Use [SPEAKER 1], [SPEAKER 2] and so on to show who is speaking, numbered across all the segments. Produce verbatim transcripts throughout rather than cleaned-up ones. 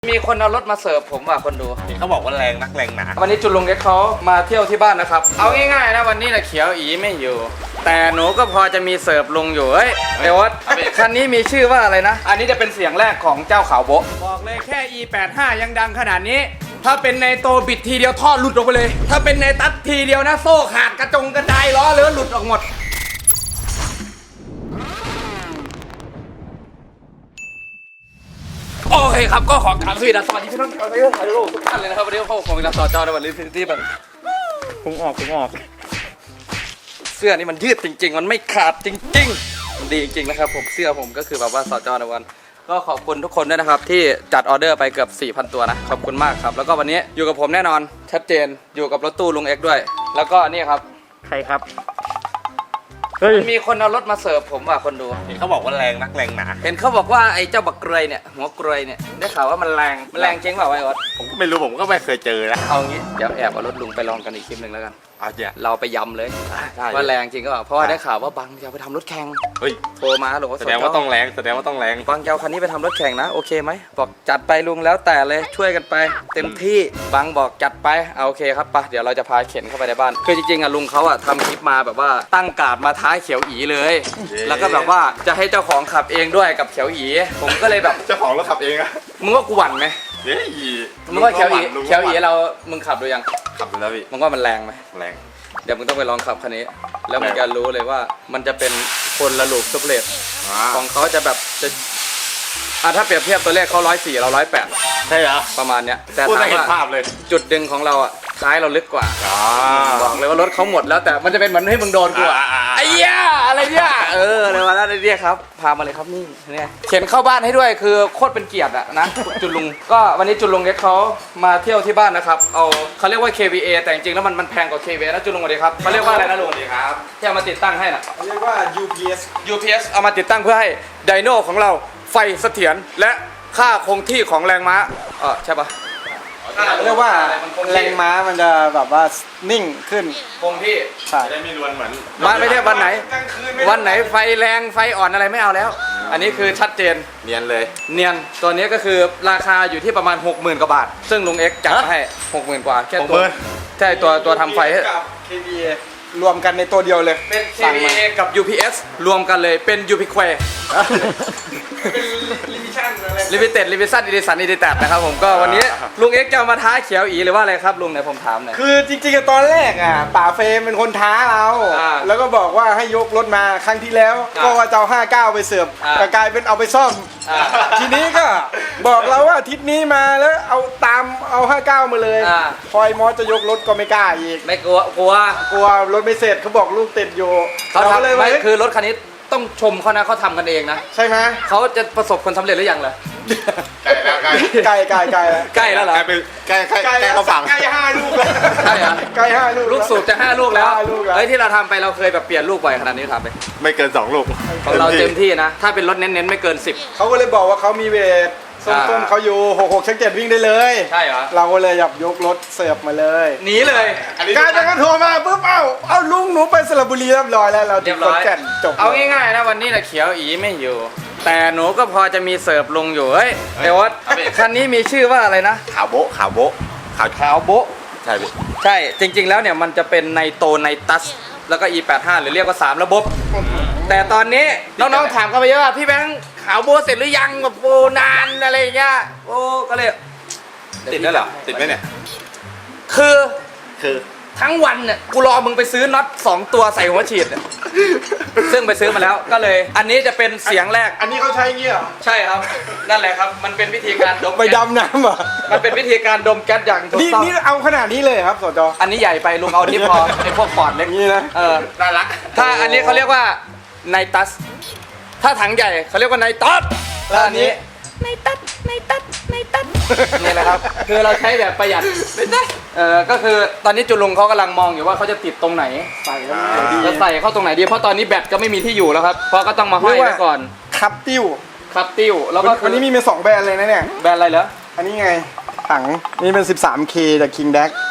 [SPEAKER 1] มีคนเอารถมาเสิร์ฟผมว่ะคนดู
[SPEAKER 2] เขาบอกว่าแรงนักแรงหนา
[SPEAKER 1] วันนี้จุลลุงเอ็กเขามาเที่ยวที่บ้านนะครับเอาง่ายๆนะวันนี้นะเขียวอีไม่อยู่แต่หนูก็พอจะมีเสิร์ฟลุงอยู่เฮ้ยเดี๋ยวคันนี้มีชื่อว่าอะไรนะอันนี้จะเป็นเสียงแรกของเจ้าขาวโบบอกเลยแค่ อี แปดสิบห้า ยังดังขนาดนี้ถ้าเป็นในโตบิดทีเดียวท่อหลุดออกไปเลยถ้าเป็นในตัดทีเดียวนะโซ่ขาดกระจงกระจายล้อเลือหลุดออกหมดโอเคครับก็ขอกราบสวัสดีสวัสดีพี่น้องชาวไทยไทยโลกทุกท่านเลยนะครับวันนี้เข้าของเราต่อจอในวันนี้ที่มันพุงออกพุงออกเสื้อนี่มันยืดจริงๆมันไม่ขาดจริงๆมันดีจริงๆนะครับผมเสื้อผมก็คือแบบว่าต่อจอในวันก็ขอบคุณทุกคนด้วยนะครับที่จัดออเดอร์ไปเกือบ สี่พัน ตัวนะขอบคุณมากครับแล้วก็วันนี้อยู่กับผมแน่นอนชัดเจนอยู่กับรถตู้ลุงเอ็กด้วยแล้วก็นี่ครับใครครับมีคนเอารถมาเสิร์ฟผมว่ะคนดู
[SPEAKER 2] เห็นเขาบอกว่าแรงนักแรงหนา
[SPEAKER 1] เห็นเขาบอกว่าไอ้เจ้าบักเกรยเนี่ยหัวเกรยเนี่ยได้ข่าวว่ามันแรงมันแรงจริงเปล่าไอ้ออส
[SPEAKER 2] ผมก็ไม่รู้ผมก็ไม่เคยเจอนะ
[SPEAKER 1] เอางี้เดี๋ยวแอบเอารถลุงไปลองกันอีกคลิปหนึ่งแล้วกัน
[SPEAKER 2] เอาเจ้า
[SPEAKER 1] เราไปยำเลยว่าแรงจริงก็เปล่าเพราะว่าได้ข่าวว่าบังจะไปทำรถแข่ง
[SPEAKER 2] เฮ้ย
[SPEAKER 1] โทรมาหรือว่า
[SPEAKER 2] แสดงว่าต้องแรงแสดงว่าต้องแรง
[SPEAKER 1] บังเจ้าคันนี้ไปทำรถแข่งนะโอเคไหมบอกจัดไปลุงแล้วแต่เลยช่วยกันไปเต็มที่บังบอกจัดไปเอาโอเคครับปะเดี๋ยวเราจะพาเข็นเข้าไปในบ้านคือจริงๆอ่ะลุงเขาอ่ะทำคลิปมาแบบว่าตั้งการ์ดมาท้าเขียวอีเลยแล้วก็แบบว่าจะให้เจ้าของขับเองด้วยกับเขียวอีผมก็เลยแบบ
[SPEAKER 2] เจ้าของรถขับเองอะ
[SPEAKER 1] มึงว่ากูหวั่นไหม
[SPEAKER 2] เฮ้ย
[SPEAKER 1] มึงว่าเขียวอีเขียวอีเรามึงขับดูยัง
[SPEAKER 2] ขับดูแล้วพี่
[SPEAKER 1] มึงว่ามันแรงไหม
[SPEAKER 2] แรง
[SPEAKER 1] เดี๋ยวมึงต้องไปลองขับคันนี้แล้วมึงจะรู้เลยว่ามันจะเป็นคนละลูกซุปเลตของเขาจะแบบจะอ่ะถ้าเปรียบเทียบตัวเลขเขาร้อยสี่เราร้อยแปด
[SPEAKER 2] ใช่เหรอ
[SPEAKER 1] ประมาณเนี้ยแต่
[SPEAKER 2] ถามว่าภาพเลย
[SPEAKER 1] จุดดึงของเราอ่ะท้ายเราลึกกว่าบอกเลยว่ารถเขาหมดแล้วแต่มันจะเป็นเหมือนให้มึงโดนกูไอ้เหี้ยอะไรเนี่ยเออในวันนั้นไอ้เหี้ยครับพามาเลยครับนี่เนี่ยเข็นเข้าบ้านให้ด้วยคือโคตรเป็นเกียรติอะนะจุลลุงก็วันนี้จุลลุงเอ็กเขามาเที่ยวที่บ้านนะครับเอาเขาเรียกว่า เค วี เอ แต่จริงๆแล้วมันมันแพงกว่า เค วี เอ นะจุลลุงสวัสดีครับเขาเรียกว่าอะไรนะลุงสวัสดีครับที่เอามาติดตั้งให้น่ะ
[SPEAKER 3] เรียกว่า ยู พี เอส
[SPEAKER 1] ยู พี เอส เอามาติดตั้งเพื่อให้ไดโน่ของเราไฟเสถียรและค่าคงที่ของแรงม้าเออใช่ปะ
[SPEAKER 3] เรียกว่าแรงม้ามันจะแบบว่านิ่งขึ้น
[SPEAKER 1] คงที่
[SPEAKER 3] ใช่
[SPEAKER 2] ได้ไม่รวนเหมือน
[SPEAKER 1] บ้านไม่ได้วันไหนวันไหนไฟแรงไฟอ่อนอะไรไม่เอาแล้วอันนี้คือชัดเจน
[SPEAKER 2] เนียนเลย
[SPEAKER 1] เนียนตัวนี้ก็คือราคาอยู่ที่ประมาณ หกหมื่น กว่าบาทซึ่งลุงเอ็กจัดให้ หกหมื่น กว่าแค่ตัวใช่ตัวตัวทำไฟให้
[SPEAKER 3] เค วี เอ รวมกันในตัวเดียวเลย
[SPEAKER 1] เป็น เค วี เอ กับ ยู พี เอส รวมกันเลยเป็น ยู พี แควร์
[SPEAKER 3] เป็นลิมิชั่นอะไร
[SPEAKER 1] ลิมิเต็ดลิมิชั่นอีดิสันอีดิแตดนะครับผมก็วันนี้ลุงเอ็กจะมาท้าเขียวอีหรือว่าอะไรครับลุงไหนผมถามหน่อย
[SPEAKER 3] คือจริงๆตอนแรกอ่ะป่าเฟรมเป็นคนท้าเราแล้วก็บอกว่าให้ยกรถมาครั้งที่แล้วก็ว่าจะเอาห้าเก้าไปเสิร์ฟแต่กลายเป็นเอาไปซ่อมทีนี้ก็บอกเราว่าอาทิตย์นี้มาแล้วเอาตามเอาห้าเก้ามาเลยพอยมอสจะยกรถก็ไม่กล้าอีก
[SPEAKER 1] ไม่กลัวกลัว
[SPEAKER 3] กลัวรถไม่เสร็จเขาบอกลูกติดอยู่
[SPEAKER 1] เขาทำเลยไม่คือรถคันนี้ต้องชมเขานะเขาทำกันเองนะ
[SPEAKER 3] ใช่ไหม
[SPEAKER 1] เขาจะประสบคนสำเร็จหรือยังเหรอ
[SPEAKER 3] ใกล้ใกล้ใกล้
[SPEAKER 1] ใกล้แล้วเหรอ
[SPEAKER 2] ใกล้ใกล้ใกล้เขาฝัง
[SPEAKER 3] ใกล้ห้าลูกแล้ว
[SPEAKER 1] ใช่เหรอ
[SPEAKER 3] ใกล้ห้าลูก
[SPEAKER 1] ลูกสูบจะห้าลูกแล้วเฮ้ยที่เราทำไปเราเคยแบบเปลี่ยนลูกบ่อยขนาดนี้ทำไป
[SPEAKER 2] ไม่เกินสองลูก
[SPEAKER 1] ของเราเต็มที่นะถ้าเป็นรถเน้นๆไม่เกินสิบ
[SPEAKER 3] เขาก็เลยบอกว่าเขามีเวทต้นๆเขาอยู่หกหกชั้นเจ็ดวิ่งได้เลย
[SPEAKER 1] ใช่เหรอ
[SPEAKER 3] เราก็เลยอยากยกรถเสิร์ฟมาเลย
[SPEAKER 1] หนีเลย
[SPEAKER 3] การจะก็โทรมาปุ๊บเอ้าเอาลุงหนูไปสระบุรีเรียบร้อยแล้วเรา
[SPEAKER 1] เรียบร้อย
[SPEAKER 3] จบ
[SPEAKER 1] เอาง่ายๆนะวันนี้นะเขียวอีไม่อยู่แต่หนูก็พอจะมีเสิร์ฟลุงอยู่เฮ้ยเดี๋ยวคันนี้มีชื่อว่าอะไรนะ
[SPEAKER 2] ขาวโบขาวโบ
[SPEAKER 1] ขาวขาวโบ
[SPEAKER 2] ใช่
[SPEAKER 1] ใช่จริงๆแล้วเนี่ยมันจะเป็นไนโตไนตัสแล้วก็ อี แปดสิบห้า หรือเรียกว่าสามระบบแต่ตอนนี้น้องๆถามกันไปเยอะว่าพี่แบงค์ขาวโบเสร็จหรือยังแบบโบนานอะไรอย่างเงี้ยโอ้ก็เลย
[SPEAKER 2] ติดแล้วเหรอติดไหมเนี่ย
[SPEAKER 1] คือ
[SPEAKER 2] คือ
[SPEAKER 1] ทั้งวันเนี่ยกูรอมึงไปซื้อน็อตสองตัวใส่หัวฉีดเนี่ยซึ่งไปซื้อมาแล้วก็เลยอันนี้จะเป็นเสียงแรก
[SPEAKER 3] อันนี้เขาใช้เงี้ย
[SPEAKER 1] ใช่ครับนั่นแหละครับมันเป็นวิธีการดม
[SPEAKER 3] ไปดำน้ำอ่ะ
[SPEAKER 1] มันเป็นวิธีการดมแก๊สอย่างถูกต้อง
[SPEAKER 3] นี่เอาขนาดนี้เลยครับสจ
[SPEAKER 1] อันนี้ใหญ่ไปลุงเอาที่พอไอ้พวกปอดเล็ก
[SPEAKER 3] นี่นะ
[SPEAKER 1] เออน่ารักถ้าอันนี้เขาเรียกว่าไนตัสถ้าถังใหญ่เขาเรียกว่าไนตัสแล้วอันนี้ไนตัสไนตัสไนตัสนี่แหละครับคือเราใช้แบบประหยัดเออก็คือตอนนี้จุลุงเขากำลังมองอยู่ว่าเขาจะติดตรงไหนใส่จะใส่เข้าตรงไหนดีเพราะตอนนี้แบตก็ไม่มีที่อยู่แล้วครับเพราะก็ต้องมาห้อยไว้ก่อน
[SPEAKER 3] คับติ้ว
[SPEAKER 1] คับติ้วแล้วก็
[SPEAKER 3] วันนี้มีมาสองแบรนด์เลยนะเนี่ย
[SPEAKER 1] แบรนด์อะไรเหรอ
[SPEAKER 3] อันนี้ไงถังนี่เป็น สิบสามเค จาก King Dax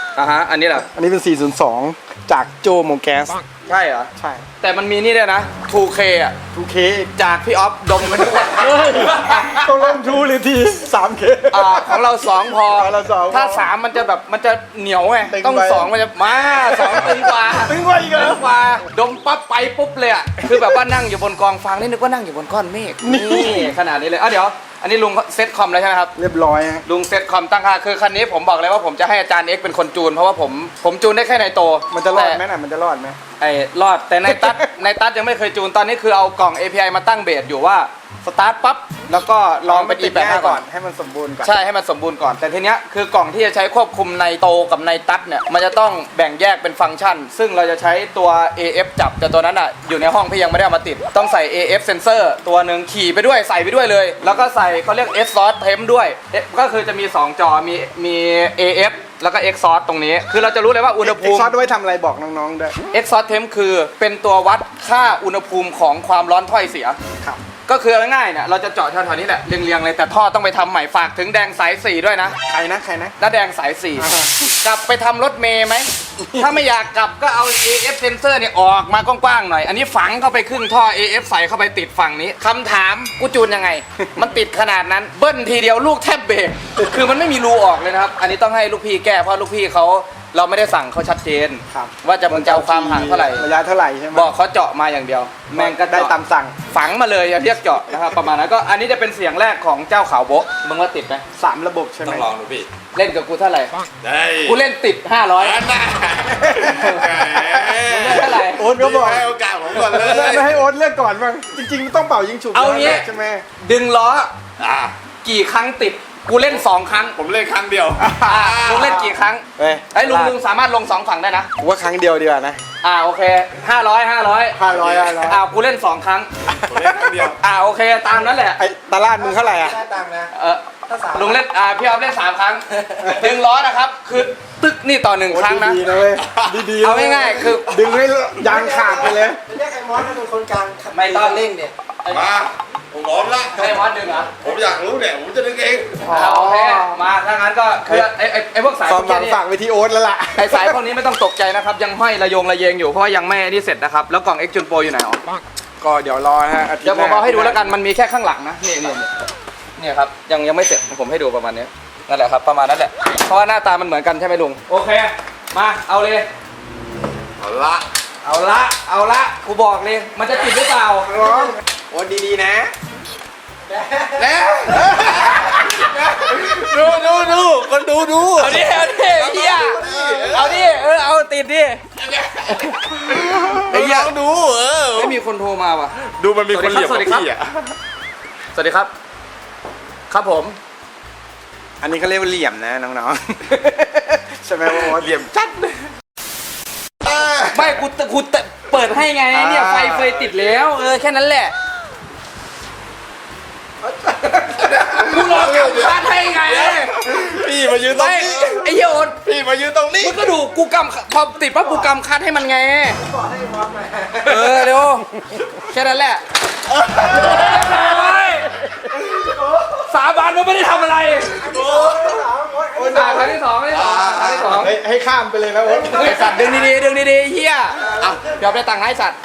[SPEAKER 1] อ่ะฮะอันนี้แหละ
[SPEAKER 3] อันนี้เป็น สี่ศูนย์สอง จากโจโมแกส
[SPEAKER 1] ใช่เหรอ
[SPEAKER 3] ใช่
[SPEAKER 1] แต่มันมีนี่ด้วยนะ ทูเค อ่ะ
[SPEAKER 3] ทูเค
[SPEAKER 1] จากพี่ออฟดมกันทุกวัน
[SPEAKER 3] ต้องเล่นทูหรือที สามเค
[SPEAKER 1] อ่าของเราสองพอ
[SPEAKER 3] ของเราสองพอ
[SPEAKER 1] ถ้าสามมันจะแบบมันจะเหนียวไง
[SPEAKER 3] ตึง
[SPEAKER 1] ต้อง
[SPEAKER 3] ไป
[SPEAKER 1] สองมันจะมาสองตึงกว่า
[SPEAKER 3] ตึงกว่าอีกเหรอ
[SPEAKER 1] ตึงกว่าดมปั๊บไปปุ๊บเลยอ่ะคือแบบว่านั่งอยู่บนกองฟางนี่นึกว่านั่งอยู่บนก้อนเมฆนี่ขนาดนี้เลยอ่ะเดี๋ยวอันนี้ลุงเซ็ตคอมแล้วใช่ไหมครับ
[SPEAKER 3] เรียบร้อยฮะ
[SPEAKER 1] ลุงเซ็ตคอมตั้งค่าคือคันนี้ผมบอกเลยว่าผมจะให้อาจารย์เอ็กซ์เป็นคนจูนเพราะว่าผมผมจูนได้แค่ในโต
[SPEAKER 3] มันจะรอดไหม
[SPEAKER 1] แต่
[SPEAKER 3] น่ะ มันจะรอดไหม
[SPEAKER 1] ไอ้รอดแต่ในตัด ในตัดยังไม่เคยจูนตอนนี้คือเอากล่อง เอ พี ไอ มาตั้งเบสอยู่ว่าสตาร์ทปั๊บแล้วก็ลองเป็น อี แปด
[SPEAKER 3] ติดง่า
[SPEAKER 1] ห้าย ก่
[SPEAKER 3] ก่
[SPEAKER 1] อ
[SPEAKER 3] อน น ให้มันสมบูรณ์ก่อน
[SPEAKER 1] ใช่ให้มันสมบูรณ์ก่อนแต่ทีเนี้ยคือกล่องที่จะใช้ควบคุมในโตกับในตัดเนี่ยมันจะต้องแบ่งแยกเป็นฟังก์ชัน ซึ่งเราจะใช้ตัว เอ เอฟ จับแต่ตัวนั้นอ่ะอยู่ในห้องพี่ยังไม่ได้เอามาติดต้องใส่ เอ เอฟ sensor ตัวหนึ่งขี่ไปด้วยใส่ไปด้วยเลย แล้วก็ใส่เขาเรียก exhaust temp ด้วย ก็คือจะมีสองจอมีมี เอ เอฟ แล้วก็ exhaust ตรงนี้ คือเราจะรู้เลยว่าอุณห
[SPEAKER 3] เอ็
[SPEAKER 1] ภู
[SPEAKER 3] ก
[SPEAKER 1] มิ
[SPEAKER 3] ซอสไว้ทำอะไรบอกน้องๆด้วย
[SPEAKER 1] exhaust temp คือเป็นตัววัดค่าอุณหภูมิของความร้อนถ้อยเสีย
[SPEAKER 3] ครับ
[SPEAKER 1] ก็คือง่ายๆเนี่ยเราจะเจาะแถวๆนี้แหละเรียงๆเลยแต่ท่อต้องไปทำใหม่ฝากถึงแดงสายสี่ด้วยนะ
[SPEAKER 3] ใครนะ ใครนะ
[SPEAKER 1] น้าแดงสายสี่
[SPEAKER 3] อ่า
[SPEAKER 1] กลับไปทำรถเมย์ไหม ถ้าไม่อยากกลับก็เอา เอ เอฟ sensor เนี่ยออกมากว้างๆหน่อย อันนี้ฝังเข้าไปครึ่งท่อ เอ เอฟ ใส่เข้าไปติดฝั่งนี้คำถามกูจูนยังไง มันติดขนาดนั้นเบิ้ลทีเดียวลูกแทบเบรกคือมันไม่มีรูออกเลยนะครับ อันนี้ต้องให้ลูกพี่แก้เพราะลูกพี่เขาเราไม่ได้สั่งเขาชัดเจน
[SPEAKER 3] ครับ
[SPEAKER 1] ว่าจะมันจะเอาความห่างเท่าไหร่
[SPEAKER 3] ระยะเท่าไหร่ใช่ไหม
[SPEAKER 1] บอกเขาเจาะมาอย่างเดียว แม่งก็
[SPEAKER 3] ได้
[SPEAKER 1] เจาะ
[SPEAKER 3] ตามสั่ง
[SPEAKER 1] ฝังมาเลยอย่าเรียกเจาะนะครับประมาณนั้นก็อันนี้จะเป็นเสียงแรกของเจ้าขาวโบะมึงว่าติดไหม
[SPEAKER 3] สามระบบใช่ไหม
[SPEAKER 2] ต้องลองดูพี่
[SPEAKER 1] เล่นกับกูเท่าไหร่
[SPEAKER 2] ได้
[SPEAKER 1] กูเล่นติดห้าร้อย
[SPEAKER 2] อันน่ะ
[SPEAKER 1] มึงเล่นเท่าไหร่
[SPEAKER 3] โอ๊ตก็บอก
[SPEAKER 2] ให้โอกาสผมก่อนเลย
[SPEAKER 3] ไม่ให้โอ๊ตเลือกก่อนบ้างจริงๆต้องเป่ายิงฉุบ
[SPEAKER 1] เอางี้
[SPEAKER 3] ใช่ไหม
[SPEAKER 1] ดึงล้อ
[SPEAKER 2] อ่ะ
[SPEAKER 1] กี่ครั้งติดกูเล่นสองครั้ง
[SPEAKER 2] ผมเล่นครั้งเดียว
[SPEAKER 1] อ่าลุงเล่นกี่ครั้ง
[SPEAKER 3] เฮ้ย
[SPEAKER 1] ไอ้ยลุงลุงสามารถลงสองฝั่งได้นะ
[SPEAKER 3] กูว่าครั้งเดียวดีกว่านะ
[SPEAKER 1] อ่าโอเคห้าร้อยห้าร้อย
[SPEAKER 3] ห้าร้อยห้าร้อย
[SPEAKER 1] อ่ากูเล่นสองครั้ง
[SPEAKER 2] ผมเล่นครั้งเดียว
[SPEAKER 1] อ่าโอเคตามนั้นแหละ
[SPEAKER 3] ไอ้ตลาดมึงเท่าไหร่อ่ะ
[SPEAKER 1] เออลุงเล่นอ่าพี่ออฟเล่นสามครั้งดึงล้อนะครับคือตึกนี่ต่อหนึ่งครั้งนะ
[SPEAKER 3] ดีๆนะเว้ยดีๆนะ
[SPEAKER 1] เอาง่ายๆคือ
[SPEAKER 3] ดึงให้ยางขาดไปเลย
[SPEAKER 4] เรียกไอ้มอสเป็นคนกลาง
[SPEAKER 1] ไม่ต้อง
[SPEAKER 4] เร่งเนี่ย
[SPEAKER 2] มาผมพร้อมละ
[SPEAKER 1] ให้มอสดึงเหรอ
[SPEAKER 2] ผมอยากรู้เนี่ยผมจะดึงเอง
[SPEAKER 1] อ่าโอเคมาถ้างั้นก็คือไอ้ไอ้ไอ้พวกสาย
[SPEAKER 3] ความหวัง
[SPEAKER 1] พวกนี้
[SPEAKER 3] ฝากไปที่โอ๊ตแล้วล่ะ
[SPEAKER 1] ไอ้สายพวกนี้ไม่ต้องตกใจนะครับ ยังห้อยระยงระเยงอยู่เพราะว่ายังไม่นี่เสร็จนะครับ แล้วกล่อง X จุนโปรอยู่ไหนอ๋อ
[SPEAKER 3] ก็เดี๋ยวรอนะฮะอาทิต
[SPEAKER 1] เดี๋ยว
[SPEAKER 3] ย์
[SPEAKER 1] ผม
[SPEAKER 3] น้
[SPEAKER 1] เอาให้ดูแล้วกันมันมีแค่ข้างหลังนะนี่นี่นี่เนี่ยครับยังยังไม่เสร็จผมให้ดูประมาณนี้นั่นแหละครับประมาณนั้นแหละเพราะว่าหน้าตามันเหมือนกันใช่ไหมลุงโอเค มาเอาเลย
[SPEAKER 2] เอาละ
[SPEAKER 1] เอาละเอาละกูบอกเลยมันจะติดหรือเปล่า
[SPEAKER 3] น้องโอ๊ตดีๆนะ
[SPEAKER 1] แล้ว
[SPEAKER 2] ดูดูดูคนดูดู
[SPEAKER 1] เอาดิเอาดิเฮียเอาดิเออเอาติดดิ
[SPEAKER 2] ไอ้ยังดูเออ
[SPEAKER 1] ไม่มีคนโทรมาว่ะ
[SPEAKER 2] ดูมันมีคนเหลี่ยม
[SPEAKER 1] สวัสดีครับ
[SPEAKER 2] พี่อ่ะ
[SPEAKER 1] สวัสดีครับ ครับผม
[SPEAKER 3] อันนี้เขาเรียกว่าเหลี่ยมนะน้องๆ ใช่ไหมว่าโอ๊ต
[SPEAKER 2] เหลี่ยมจัด
[SPEAKER 1] ไม่กูกูเปิดให้ไงเนี่ยไฟเฟยติดแล้วเออแค่นั้นแหละกูรอกลับบ้านให้ไง
[SPEAKER 2] พี่มายืนตรง
[SPEAKER 1] ไม่
[SPEAKER 2] นี้
[SPEAKER 1] ไอ้เหี้ยโอน
[SPEAKER 2] พี่มายืนตรงนี้
[SPEAKER 1] มึงก็ดูกูกำพอติดปั๊บกูกำคัดให้มันไง
[SPEAKER 4] บอกให้มอสมา
[SPEAKER 1] เออเดี๋ยวแค่นั้นแหละสาบานมันไม่ได้ทำอะไรอ่าครั้งที่สองครั้งที่สองครั้งที่สอง
[SPEAKER 3] ให้ให้ข้ามไปเลยนะโอ๊ต
[SPEAKER 1] ไอสัตว์ดึงดีๆดึงดีๆเฮียอ่ะยอมได้ตังค์ให้สัตว์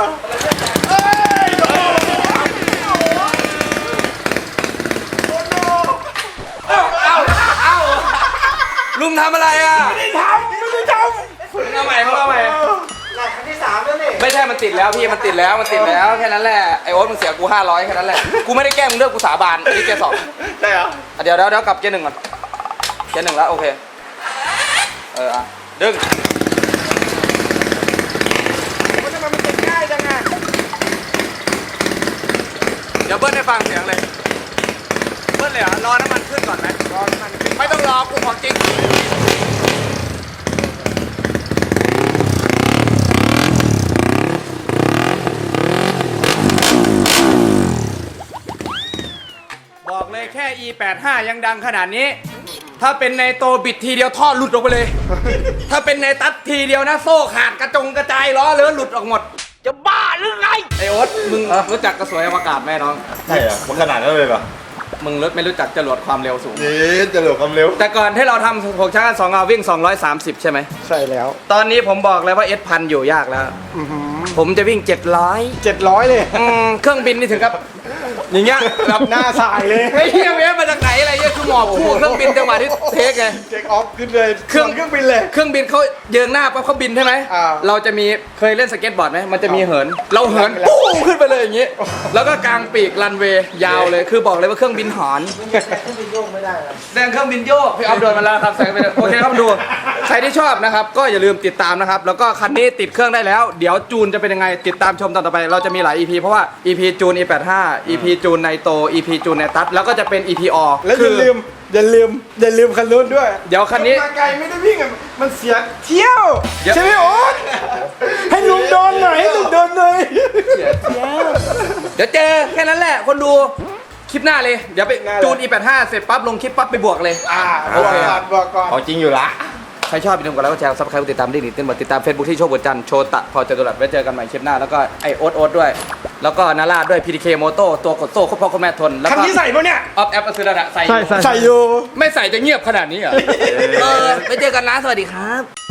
[SPEAKER 1] เอ้าเอ้าเอ้าลุงทำอะไรอ่ะ
[SPEAKER 3] ไม่ได้ทำไม่ได้ท
[SPEAKER 1] มึงเอาใหม่มึงเอาใหม่
[SPEAKER 4] หลักครั้งที่สามแล้วนี่
[SPEAKER 1] ไม่ใช่มันติดแล้วพี่มันติดแล้วมันติดแล้วแค่นั้นแหละไอโอ๊ตมึงเสียกูห้าร้อยแค่นั้นแหละกูไม่ได้แกล้งมึงเลิกกูสาบานอันนี้เกียร์สอง
[SPEAKER 2] ำได้เหรอ
[SPEAKER 1] อ่ะเดี๋ยวเดี๋ยวเดี๋ยวกลับเกียร์หนึ่งก่อนเกียร์หนึ่งแล้วโอเคเอออ่ะดึง
[SPEAKER 3] ำมันทำไมมันติดง่ายจังอ่ะ
[SPEAKER 1] เดี๋ยวเบิ้ลให้ฟังเสียงเลยเบิ้ลเลยเหรอรอน้ำมันขึ้นก่อนไหม
[SPEAKER 3] รอมันขึ้น
[SPEAKER 1] ไม่ต้องรอกูของจริงบอกเลยแค่ อี แปดห้า ยังดังขนาดนี้ ถ้าเป็นในโตบิดทีเดียวท่อหลุดออกไปเลย ถ้าเป็นในตัดทีเดียวนะโซ่ขาดกระจงกระจายล้อเลือหลุดออกหมด จะบ้าหรือไงไอโอ๊ตมึงรู้จักกระสวยอวกาศไหมน้อง
[SPEAKER 2] ใช่เหรอมันขนาดนั้นเลยเหรอ
[SPEAKER 1] มึงรถไม่รู้จักจรวดความเร็วสูง
[SPEAKER 2] เย้จะเหลือความเร็ว
[SPEAKER 1] แต่ก่อนที่เราทำหกช้างสองเอาวิ่งสองร้อยสามสิบใช่ไหม
[SPEAKER 3] ใช่แล้ว
[SPEAKER 1] ตอนนี้ผมบอกเลยว่าเอสพันอยู่ยากแล้ว ผมจะวิ่งเจ็ดร้อย
[SPEAKER 3] เจ็ดร้อยเลย
[SPEAKER 1] เครื่องบินนี่ถึงกับอย่างเงี้ยแบบ
[SPEAKER 3] หน้าสายเลย
[SPEAKER 1] ไอ้เฮียเวฟมาจากไหนอะไรเงี้ยคือหมอบคู่เครื่องบินจังหวะที่เทคไง
[SPEAKER 3] เจ็คออฟขึ้นเลย
[SPEAKER 1] เครื่อง
[SPEAKER 3] เครื่องบินเลย
[SPEAKER 1] เครื่องบินเขาเยิงหน้าปั๊บเขาบินใช่ไหม
[SPEAKER 3] อ่า
[SPEAKER 1] เราจะมีเคยเล่นสเก็ตบอร์ดไหมมันจะมีเหิน เราเหินปู้ขึ้นไปเลยอย่างงี้ แล้วก็กางปีกรันเวย์ยาวเลย คือบอกเลยว่าเครื่องบินหอน
[SPEAKER 4] เครื่องบินโยกไม่ได้หรอ
[SPEAKER 1] แสดงเครื่องบินโยกพี่ออฟโดนมาแล้วครับแสงไปเลยโอเคครับดู ใครที่ชอบนะครับ ก็อย่าลืมติดตามนะครับ แล้วก็คันนี้ติดเครื่องได้แล้ว เดี๋ยวจูนจะเป็นยังไง ติดตามชมตอนต่อไป เราจะมีหลาย อี พี เพราะว่า อี พี จูน อี แปดสิบห้า อี พี จูนไนโต อี พี จูนไนตัสแล้วก็จะเป็น อี พี ออ
[SPEAKER 3] แล้วอย่าลืมอย่าลืมอย่าลืมคันรุ่นด้วย
[SPEAKER 1] เดี๋ยวคันนี้
[SPEAKER 3] มาไกลไม่ได้วิ่งอะมันเสียเที่ยว
[SPEAKER 1] เดี๋ยว
[SPEAKER 3] ใช่ไหมโอ๊ตให้ลุงโดนหน่อยให้ลุงโดนหน่อย
[SPEAKER 1] เดี๋ยวเจอแค่นั้นแหละ คนดูคลิปหน้าเลย เดี๋ยวไปจูน อี แปดสิบห้า เสร็จปั๊บลงคลิปปั๊บไปบวกเลย
[SPEAKER 3] อ่าบอกก่อนบอกก่อน
[SPEAKER 2] เอาจริงอยู่ละ
[SPEAKER 1] ใครชอบอย่าลืมกดไลค์กดแชร์ซับสไครต์กดติดตามได้หนิเต้นบทติดตามเฟซบุ๊กที่โชคบุญจันทร์โชตะพอจตุรัสไว้เจอกันใหม่คลิปหน้าแล้วก็ไอโอ๊ตโอ๊ตด้วย แล้วก็นาราด้วย พี ดี เค โมโต้ตัวกดโซ่ครบพ่อครบแม่ทนแล้ว
[SPEAKER 3] คัน
[SPEAKER 1] ก็
[SPEAKER 3] ที่ใส่ปะเนี่ย
[SPEAKER 1] ออฟแอปก็ซื้อระดับใส่
[SPEAKER 3] ใส่อยู่
[SPEAKER 1] ไม่ใส่จะเงียบขนาดนี้เหรอเออไว้เจอกันนะสวัสดีครับ